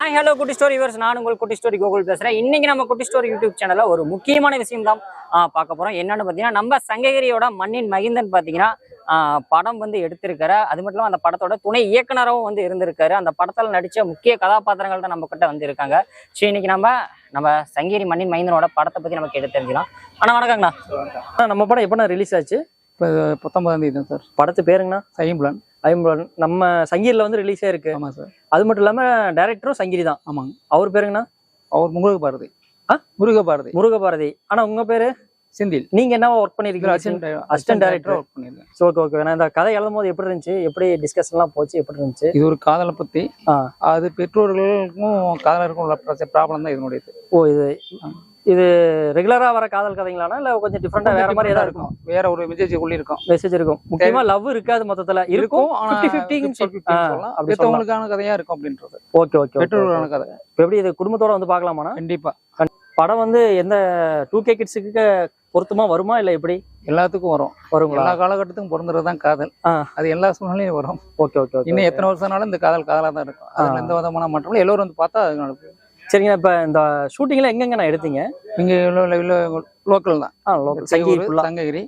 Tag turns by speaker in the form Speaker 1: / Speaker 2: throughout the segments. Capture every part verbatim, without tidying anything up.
Speaker 1: Hi hello குட்டி story viewers, நான் உங்கள் குட்டி ஸ்டோரி கோகுல் பேசுகிறேன். இன்றைக்கி நம்ம குட்டி ஸ்டோரி யூடியூப் சேனலில் ஒரு முக்கியமான விஷயம் தான் பார்க்க போகிறோம். என்னென்னு பார்த்தீங்கன்னா, நம்ம சங்ககிரியோட மண்ணின் மகிந்தன் பார்த்தீங்கன்னா படம் வந்து எடுத்திருக்காரு. அது மட்டும் இல்லாமல் அந்த படத்தோட துணை இயக்குனராகவும் வந்து இருந்திருக்காரு. அந்த படத்தில் நடித்த முக்கிய கதாபாத்திரங்கள் தான் நம்ம கிட்ட வந்து இருக்காங்க. சரி, இன்னைக்கு நம்ம நம்ம சங்ககிரி மண்ணின் மைந்தனோட படத்தை பற்றி நமக்கு எடுத்து தெரிஞ்சுக்கலாம். ஆனால் வணக்கங்கண்ணா. நம்ம படம் எப்போண்ணா ரிலீஸ் ஆச்சு?
Speaker 2: இப்போ பத்தொன்பதாம் தேதி தான் சார்.
Speaker 1: படத்து பேருங்கண்ணா?
Speaker 2: ஐம்புலன்.
Speaker 1: ஐம்புலன் நம்ம சங்ககிரியில் வந்து ரிலீஸ் ஆயிருக்கு.
Speaker 2: ஆமாம் சார்.
Speaker 1: அது மட்டும் இல்லாமல் டைரக்டரும் சங்ககிரி தான்.
Speaker 2: ஆமாங்க.
Speaker 1: அவர் பேருங்கண்ணா?
Speaker 2: அவர் முருக பாரதி. ஆ முருக பாரதி.
Speaker 1: முருக பாரதி. ஆனால் உங்கள் பேர்?
Speaker 2: செந்தில்.
Speaker 1: நீங்க என்ன ஒர்க் பண்ணிருக்கீங்க? அசிஸ்டன்ட் டைரக்டர் ஒர்க் பண்ணிருக்கேன். So okay okay. நான் இந்த கதை எழுதும் போது எப்படி இருந்துச்சு, எப்படி டிஸ்கஷன்லாம் போச்சு, எப்படி இருந்துச்சு?
Speaker 2: இது ஒரு காதலை பத்தி. அது பெற்றோர்களுக்கும் காதலருக்கும் உள்ள ப்ராப்ளம் தான் இதனுடையது. ஓ, இது
Speaker 1: இது ரெகுலரா வர காதல் கதைங்களானா இல்ல கொஞ்சம் டிஃபரெண்டா வேற மாதிரி ஏதாவது இருக்கும்?
Speaker 2: வேற ஒரு மெசேஜ் உள்ள இருக்கும்.
Speaker 1: மெசேஜ் இருக்கும். முக்கியமா லவ் இருக்காது, மொத்தத்துல இருக்கும். ஐம்பது ஐம்பது
Speaker 2: சொல்லலாம். பெற்றவங்களுக்கான கதையா இருக்கும் அப்படின்றது.
Speaker 1: Okay okay.
Speaker 2: பெற்றோர்களுக்கான கதை.
Speaker 1: எப்படி இது குடும்பத்தோட வந்து பார்க்கலாமாண்ணா?
Speaker 2: கண்டிப்பா.
Speaker 1: படம் வந்து எந்த டூ கே கிட்ஸுக்கு பொருத்தமா வருமா இல்ல எப்படி?
Speaker 2: எல்லாத்துக்கும் வரும். வருங்களா? எல்லா காலகட்டத்துக்கும் பிறந்ததுதான் காதல். அது எல்லா சூழ்நிலையும் வரும். Okay okay. இன்னும் எத்தனை வருஷம்னாலும் இந்த காதல் காதலா தான் இருக்கும். அதுல எந்த விதமான மாற்றம் எல்லோரும் வந்து பார்த்தா அது நடக்கும்.
Speaker 1: சரிங்க. இப்ப இந்த ஷூட்டிங்ல எங்கெங்க நான் எடுத்தீங்க?
Speaker 2: இங்க லோக்கல் தான். சங்ககிரி,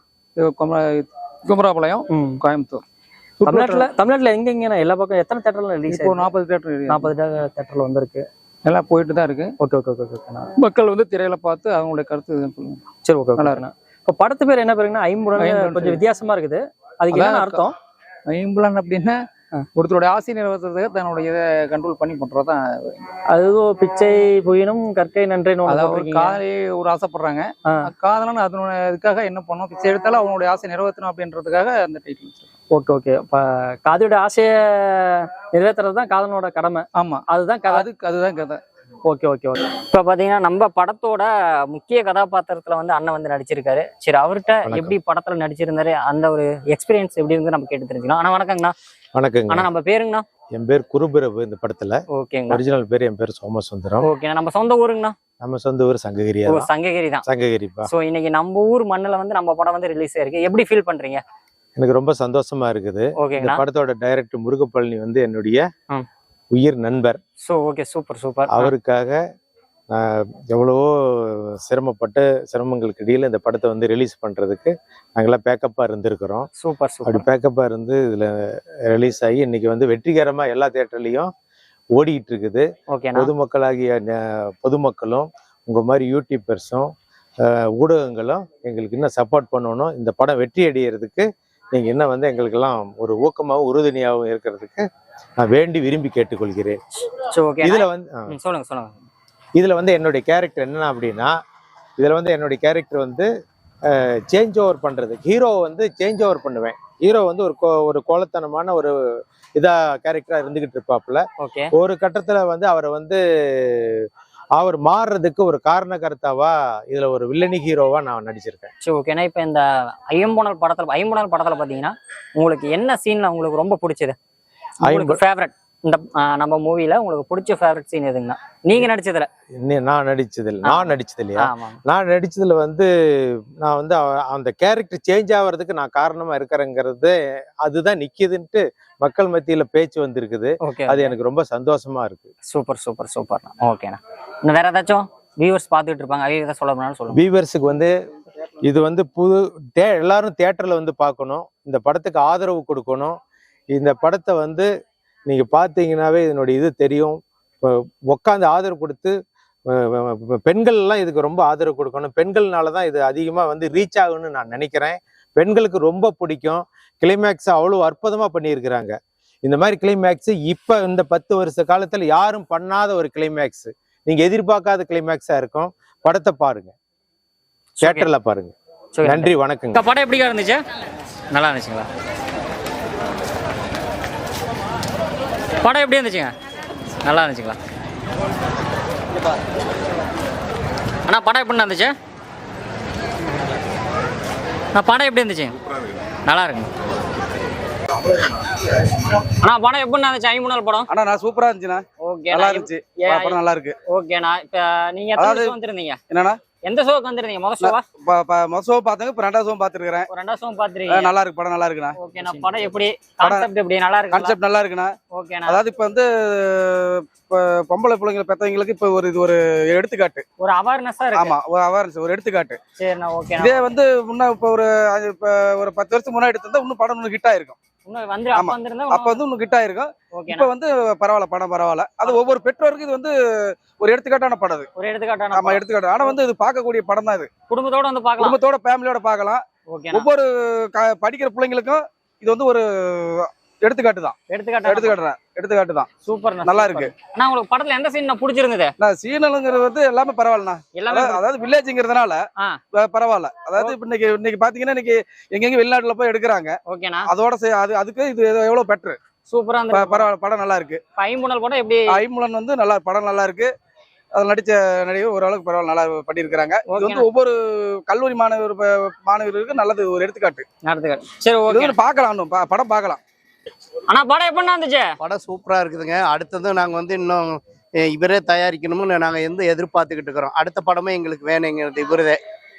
Speaker 2: குமராபாளையம், கோயம்புத்தூர்.
Speaker 1: தமிழ்நாட்டுல தமிழ்நாட்டுல எங்கெங்க நான் எல்லா பக்கம் எத்தனை தியேட்டர்ல ரிலீஸ்?
Speaker 2: இப்போ நாற்பது தியேட்டர்
Speaker 1: நாற்பது தியேட்டர்ல வந்திருக்கு.
Speaker 2: எல்லாம் போயிட்டு தான் இருக்கு.
Speaker 1: Okay okay okay.
Speaker 2: மக்கள் வந்து திரையில பார்த்து அவங்களுடைய கருத்து சொல்லுங்க.
Speaker 1: சரி ஓகே. நல்லா இருக்கு. இப்ப படத்து பேர் என்ன பேருங்கன்னா ஐம்புலன். கொஞ்சம் வித்தியாசமா இருக்குது. அதுக்கு என்ன அர்த்தம்?
Speaker 2: ஐம்புலன் அப்படின்னா ஒருத்தருடைய ஆசை நிறைவேற்றுறதுக்கு தன்னுடைய இதை கண்ட்ரோல் பண்ணி பண்றதுதான்.
Speaker 1: அதுவும் பிச்சை புயினும் கற்கை நன்றின்னு
Speaker 2: அதாவது காதலே ஒரு ஆசைப்படுறாங்க. காதலன்னு அதனுடைய இதுக்காக என்ன பண்ணும், பிச்சை எடுத்தாலும் அவனுடைய ஆசை நிறைவேற்றணும் அப்படின்றதுக்காக அந்த டைட்டில்.
Speaker 1: Okay okay. இப்ப காதலியோட ஆசையை நிறைவேற்றுறது தான் காதலனோட கடமை.
Speaker 2: ஆமா,
Speaker 1: அதுதான் கதை.
Speaker 2: அதுக்கு அதுதான் கதை.
Speaker 1: Okay okay okay. இப்ப பாத்தீங்கன்னா நம்ம படத்தோட முக்கிய கதாபாத்திரத்துல வந்து அண்ணன் வந்து நடிச்சிருக்காரு. சரி, அவர்கிட்ட எப்படி படத்துல நடிச்சிருந்தாரு, அந்த ஒரு எக்ஸ்பீரியன்ஸ் எப்படி இருந்து நம்ம கேட்டு தெரிஞ்சுக்கலாம். ஆனா வணக்கங்கண்ணா.
Speaker 3: வணக்கங்க.
Speaker 1: ஆனா நம்ம பேருங்கண்ணா?
Speaker 3: என் பேர் குருபிரபு. இந்த படத்துல
Speaker 1: ஓகேங்க.
Speaker 3: ஒரிஜினல் பேர் என் பேர் சோமசுந்தரம்.
Speaker 1: ஓகே. நம்ம சொந்த ஊருங்கண்ணா?
Speaker 3: நம்ம சொந்த ஊர் சங்ககிரி.
Speaker 1: சங்ககிரி தான்.
Speaker 3: சங்ககிரிப்பா.
Speaker 1: சோ இன்னைக்கு நம்ம ஊர் மண்ணுல வந்து நம்ம படம் வந்து ரிலீஸ் ஆயிருக்கு. எப்படி ஃபீல் பண்றீங்க?
Speaker 3: எனக்கு ரொம்ப சந்தோஷமா இருக்குது. இந்த படத்தோட டைரக்டர் முருகப்பழனி வந்து என்னுடைய உயிர் நண்பர்.
Speaker 1: So okay, super super.
Speaker 3: அவருக்காக நான் எவ்வளவோ சிரமப்பட்டு சிரமங்களுக்கு இடையில இந்த படத்தை வந்து ரிலீஸ் பண்றதுக்கு நாங்கெல்லாம் பேக்கப்பா இருந்திருக்கிறோம்.
Speaker 1: Super super.
Speaker 3: அப்படி பேக்கப்பா இருந்து இதுல ரிலீஸ் ஆகி இன்னைக்கு வந்து வெற்றிகரமா எல்லா தியேட்டர்லயும் ஓடிட்டு இருக்குது. பொதுமக்களாகிய பொதுமக்களும் உங்க மாதிரி யூடியூபர்ஸும் ஊடகங்களும் எங்களுக்கு இன்னும் சப்போர்ட் பண்ணணும். இந்த படம் வெற்றி அடைகிறதுக்கு நீங்க என்ன வந்து எங்களுக்கெல்லாம் ஒரு ஊக்கமாகவும் உறுதுணையாகவும் இருக்கிறதுக்கு நான் வேண்டி விரும்பி கேட்டுக்கொள்கிறேன். இதுல வந்து
Speaker 1: சொல்லுங்க சொல்லுங்க.
Speaker 3: இதுல வந்து என்னுடைய கேரக்டர் என்ன அப்படின்னா, இதுல வந்து என்னுடைய கேரக்டர் வந்து சேஞ்ச் ஓவர் பண்றது. ஹீரோ வந்து சேஞ்ச் ஓவர் பண்ணுவேன். ஹீரோ வந்து ஒரு ஒரு கோலத்தனமான ஒரு இதா கேரக்டரா இருந்துகிட்டு இருப்பாப்புல. ஒரு கட்டத்துல வந்து அவரை வந்து அவர் மாறுறதுக்கு ஒரு காரண கருத்தாவா இதுல ஒரு வில்லனி ஹீரோவா நான் நடிச்சிருக்கேன்.
Speaker 1: சரி ஓகே. இப்ப இந்த ஐம்புலன் படத்துல ஐம்புலன் படத்துல பாத்தீங்கன்னா உங்களுக்கு என்ன சீன்ல உங்களுக்கு ரொம்ப பிடிச்சது, உங்களுக்கு ஃபேவரட்? இந்த நம்ம மூவில உங்களுக்கு பிடிச்ச ஃபேவரட் சீன் எதுங்கண்ணா நீங்க நடிச்சதுல?
Speaker 3: நான் நடிச்சதுல நான் நடிச்சது இல்லையா நான் நடிச்சதுல வந்து நான் வந்து அந்த கேரக்டர் சேஞ்ச் ஆகிறதுக்கு நான் காரணமா இருக்கிறேங்கிறது அதுதான் நிக்குதுன்ட்டு மக்கள் மத்தியில பேச்சு வந்திருக்குது. அது எனக்கு ரொம்ப சந்தோஷமா இருக்கு.
Speaker 1: Super super super. ஓகேண்ணா. இன்னும் வேற ஏதாச்சும் வியூவர்ஸ் பார்த்துட்டு இருப்பாங்க, அவங்க எதாவது சொல்ல போனாலும் சொல்லுங்க.
Speaker 3: வியூவர்ஸுக்கு வந்து இது வந்து புது தே எல்லாரும் தியேட்டர்ல வந்து பார்க்கணும். இந்த படத்துக்கு ஆதரவு கொடுக்கணும். இந்த படத்தை வந்து நீங்க பார்த்தீங்கன்னாவே இதனுடைய இது தெரியும். உட்காந்து ஆதரவு கொடுத்து பெண்கள் எல்லாம் இதுக்கு ரொம்ப ஆதரவு கொடுக்கணும். பெண்கள்னாலதான் இது அதிகமா வந்து ரீச் ஆகும்னு நான் நினைக்கிறேன். பெண்களுக்கு ரொம்ப பிடிக்கும். கிளைமேக்ஸ் அவ்வளவு அற்புதமா பண்ணியிருக்கிறாங்க. இந்த மாதிரி கிளைமேக்ஸ் இப்ப இந்த பத்து வருஷ காலத்துல யாரும் பண்ணாத ஒரு கிளைமேக்ஸ், நீங்க எதிர்பார்க்காத கிளைமேக்ஸா இருக்கும். படத்தை பாருங்க, தியேட்டர்ல பாருங்க. நன்றி, வணக்கங்க.
Speaker 1: படம் எப்படி இருந்துச்சு? நல்லா இருந்துச்சுங்களா? படம் எப்படி இருந்துச்சுங்க? நல்லா இருந்துச்சுங்களா? அண்ணா படம் எப்படி இருந்துச்சு? நான் படம் எப்படி இருந்துச்சு? நல்லா இருக்குங்க. அண்ணா படம் எப்படி இருந்துச்சு? ஐம்புலன் படம்
Speaker 2: அண்ணா நான் சூப்பரா இருந்துச்சுண்ணா.
Speaker 1: ஓகே,
Speaker 2: நல்லா இருந்துச்சு. படம் நல்லா இருக்கு.
Speaker 1: ஓகேண்ணா. இப்ப நீங்க எத்தனை வருஷம் வந்திருந்தீங்க?
Speaker 2: என்னண்ணா
Speaker 1: எந்த ஷோக்கு வந்திருந்தீங்க? முதல் ஷோவா?
Speaker 4: முதல் ஷோ பார்த்தாங்க, இப்போ ரெண்டாவது ஷோ பார்த்துருக்கேன்.
Speaker 1: ரெண்டாவது ஷோ பாத்துருக்கீங்க.
Speaker 4: நல்லா இருக்கு, படம் நல்லா இருக்குண்ணா.
Speaker 1: ஓகேண்ணா. படம் எப்படி, கான்செப்ட் எப்படி, நல்லா இருக்கு?
Speaker 4: கான்செப்ட் நல்லா இருக்குண்ணா.
Speaker 1: ஓகேண்ணா.
Speaker 4: அதாவது இப்போ வந்து இப்போ பொம்பளை பிள்ளைங்களை பெற்றவங்களுக்கு இப்போ ஒரு இது ஒரு எடுத்துக்காட்டு,
Speaker 1: ஒரு அவேர்னஸா இருக்கு.
Speaker 4: ஆமா, ஒரு அவேர்னஸ், ஒரு எடுத்துக்காட்டு.
Speaker 1: சரிண்ணா. ஓகேண்ணா.
Speaker 4: இதே வந்து முன்ன இப்போ ஒரு இப்போ ஒரு பத்து வருஷத்துக்கு முன்னாடி எடுத்திருந்தா இன்னும் படம் இன்னும் ஹிட் ஆயிருக்கும்.
Speaker 1: இன்னும் வந்து அப்ப வந்திருந்தா
Speaker 4: அப்ப வந்து இன்னும் ஹிட் ஆயிருக்கும்.
Speaker 1: ஓகேண்ணா.
Speaker 4: இப்போ வந்து பரவாயில்ல, படம் பரவாயில்ல. அது ஒவ்வொரு பெற்றோருக்கு இது வந்து ஒரு எடுத்துக்காட்டான படம் அது.
Speaker 1: ஒரு எடுத்துக்காட்டான
Speaker 4: ஆமா, எடுத்துக்காட்டு. ஆனா வந்து இது பார்க்கக்கூடிய படம் தான் இது.
Speaker 1: குடும்பத்தோட வந்து பார்க்கலாம்,
Speaker 4: குடும்பத்தோட ஃபேமிலியோட பார்க்கலாம்.
Speaker 1: ஓகேண்ணா.
Speaker 4: ஒவ்வொரு க- படிக்கிற பிள்ளைங்களுக்கும் இது வந்து ஒரு எடுத்துக்காட்டு தான்.
Speaker 1: எடுத்துக்காட்டு
Speaker 4: எடுத்துக்காட்டு எடுத்துக்காட்டு தான்.
Speaker 1: சூப்பர்,
Speaker 4: நல்லா இருக்கு.
Speaker 1: ஆனா உங்களுக்கு படத்துல எந்த சீன் பிடிச்சிருந்தது?
Speaker 4: நான் சீனலுங்கிறது வந்து எல்லாமே பரவாயில்லண்ணா.
Speaker 1: எல்லாமே
Speaker 4: அதாவது- அதாவது வில்லேஜ்ங்கிறதுனால
Speaker 1: ஆ.
Speaker 4: ப- பரவாயில்ல. அதாவது இப்ப இன்னைக்கு இன்னைக்கு பாத்தீங்கன்னா இன்னைக்கு எங்கெங்க வெளிநாட்டுல போய் எடுக்கிறாங்க.
Speaker 1: ஓகேண்ணா.
Speaker 4: அதோட சே- அது அதுக்கு இது எவ்வளவு பெட்ரு.
Speaker 1: சூப்பரா
Speaker 4: ப-
Speaker 1: இருந்தது.
Speaker 4: பரவாயில்ல, படம் நல்லா இருக்கு.
Speaker 1: ஐம்புணல் கூட எப்படி?
Speaker 4: ஐமுலன் வந்து நல்லா, படம் நல்லா இருக்கு. அதில் நடிச்ச நடிகர் ஓரளவுக்கு பரவாயில்ல, நல்லா பண்ணியிருக்கிறாங்க. இது வந்து
Speaker 1: ஓகேண்ணா.
Speaker 4: ஒவ்வொரு கல்லூரி மாணவர் ப- மாணவர்களுக்கு நல்லது, ஒரு எடுத்துக்காட்டு.
Speaker 1: நடத்துக்காட்டு. சரி,
Speaker 4: இது
Speaker 1: ஓகே.
Speaker 4: வந்து பார்க்கலாம், இன்னும் ப- படம் பார்க்கலாம்.
Speaker 1: ஆனா படம் எப்படிண்ணா இருந்துச்சு?
Speaker 5: படம் சூப்பரா இருக்குதுங்க. அடுத்தது நாங்க வந்து இன்னும் அஹ், இவரே தயாரிக்கணும்னு நாங்க எந்த எதிர்பார்த்துக்கிட்டு இருக்கிறோம். அடுத்த படமே எங்களுக்கு வேணுங்கிறது இவரே.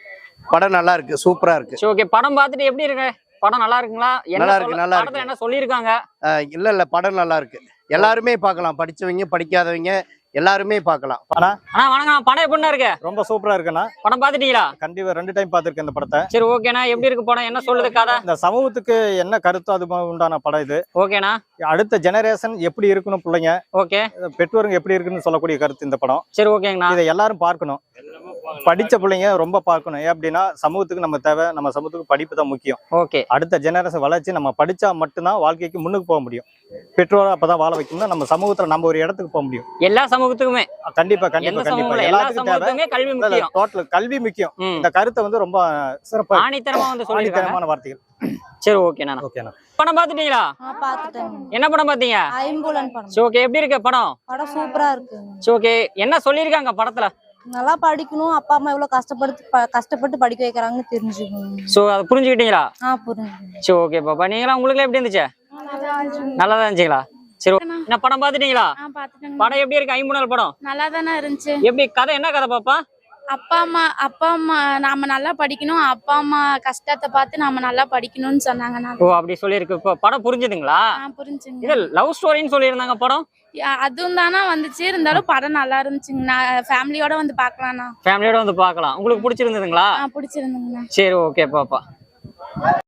Speaker 5: படம் நல்லா இருக்கு, சூப்பரா இருக்கு.
Speaker 1: சரி, ஓகே. படம் பார்த்துட்டு எப்படி இருக்கு? படம் நல்லா இருக்குங்களா? என்ன
Speaker 5: நல்லா இருக்கு,
Speaker 1: சொல்ல-
Speaker 5: நல்லா
Speaker 1: படத்துல
Speaker 5: இருக்கு.
Speaker 1: என்ன சொல்லியிருக்காங்க?
Speaker 5: அஹ், இல்ல இல்ல படம் நல்லா இருக்கு. எல்லாருமே பார்க்கலாம், படிச்சவங்க படிக்காதவங்க எல்லாருமே பார்க்கலாம்.
Speaker 1: அண்ணா வணக்கம். படம் எப்படிண்ணா இருக்கு?
Speaker 6: ரொம்ப சூப்பரா இருக்குண்ணா.
Speaker 1: படம் பார்த்துட்டீங்களா?
Speaker 6: கண்டிப்பா ரெண்டு டைம் பார்த்திருக்கேன் இந்த படத்தை.
Speaker 1: சரி, ஓகேண்ணா. எப்படி இருக்கு படம்? என்ன சொல்லுது கதை?
Speaker 6: இந்த சமூகத்துக்கு என்ன கருத்தோ அது உண்டான படம் இது.
Speaker 1: ஓகேண்ணா.
Speaker 6: அடுத்த ஜெனரேஷன் எப்படி இருக்கணும், பிள்ளைங்க
Speaker 1: ஓகே.
Speaker 6: பெற்றோருங்க எப்படி இருக்குன்னு சொல்லக்கூடிய கருத்து இந்த படம்.
Speaker 1: சரி, ஓகேங்கண்ணா.
Speaker 6: இதை எல்லாரும் பார்க்கணும். படிச்ச பிள்ளைங்க ரொம்ப பார்க்கணும். ஏன் அப்படின்னா சமூகத்துக்கு நம்ம தேவை, நம்ம சமூகத்துக்கு படிப்பு தான் முக்கியம்.
Speaker 1: ஓகே.
Speaker 6: அடுத்த ஜெனரேஷன் வளர்ச்சி நம்ம படிச்சா மட்டும்தான் வாழ்க்கைக்கு முன்னுக்கு போக முடியும். பெற்றோரை அப்பதான் வாழ வைக்கணும்னா நம்ம சமூகத்துல நம்ம ஒரு இடத்துக்கு போக முடியும்.
Speaker 1: எல்லா சமூகத்துக்குமே,
Speaker 6: கண்டிப்பா
Speaker 1: எந்த
Speaker 6: கண்டிப்பா கண்டிப்பா
Speaker 1: சமூகத்துல எல்லா
Speaker 6: எல்லாத்துக்கும் தேவை.
Speaker 1: சமூகத்துக்குமே கல்வி முக்கியம்.
Speaker 6: டோட்டல் கல்வி முக்கியம்.
Speaker 1: ம்.
Speaker 6: இந்த கருத்தை வந்து ரொம்ப சிறப்பா
Speaker 1: ஆணித்தரமா வந்து சொல்லிருக்காங்க.
Speaker 6: ஆணித்தரமான வார்த்தைகள்.
Speaker 1: சரி, ஓகேண்ணா.
Speaker 6: ஓகேண்ணா.
Speaker 1: படம் பார்த்துட்டீங்களா?
Speaker 7: ஆ, பாத்துட்டேன்.
Speaker 1: என்ன படம் பார்த்தீங்க?
Speaker 7: ஐம்புலன் படம்.
Speaker 1: சரி, ஓகே. எப்படி இருக்கு படம்?
Speaker 7: படம் சூப்பரா இருக்கு.
Speaker 1: சரி, ஓகே. என்ன சொல்லியிருக்காங்க படத்துல?
Speaker 7: நல்லா படிக்கணும், அப்பா அம்மா எவ்வளவு கஷ்டப்பட்டு ப- கஷ்டப்பட்டு படிக்க வைக்கிறாங்கன்னு தெரிஞ்சுக்கணும்.
Speaker 1: சோ அதை புரிஞ்சுக்கிட்டீங்களா?
Speaker 7: ஆ, புரியுது.
Speaker 1: சரி, ஓகே பாப்பா. நீங்களா உங்களுக்கு எப்படி இருந்துச்சு? நல்லா தான் இருந்துச்சுங்களா? சரி, என்ன படம் பார்த்துட்டீங்களா?
Speaker 8: ஆ, பாத்துட்டேங்க.
Speaker 1: படம் எப்படி இருக்கு? ஐம்புணல் படம்
Speaker 8: நல்லா தானே இருந்துச்சு.
Speaker 1: எப்படி கதை? என்ன கதை பாப்பா?
Speaker 8: அப்பா அம்மா அப்பா அம்மா நாம நல்லா படிக்கணும், அப்பா அம்மா கஷ்டத்தை பார்த்து நாம நல்லா படிக்கணும்னு சொன்னாங்க. நான்
Speaker 1: ஓ, அப்படி சொல்லியிருக்கு. இப்போ படம் புரிஞ்சுதுங்களா?
Speaker 8: ஆ, புரிஞ்சுங்க.
Speaker 1: இது லவ் ஸ்டோரின்னு சொல்லியிருந்தாங்க படம்.
Speaker 8: யா, அதுவும் தானே வந்துச்சு. இருந்தாலும் படம் நல்லா இருந்துச்சுங்க. நான் ஃபேமிலியோட வந்து பார்க்கலாம்ண்ணா.
Speaker 1: ஃபேமிலியோட வந்து பார்க்கலாம். உங்களுக்கு பிடிச்சிருந்ததுங்களா?
Speaker 8: ஆ, பிடிச்சிருந்துங்கண்ணா.
Speaker 1: சரி, ஓகே பாப்பா.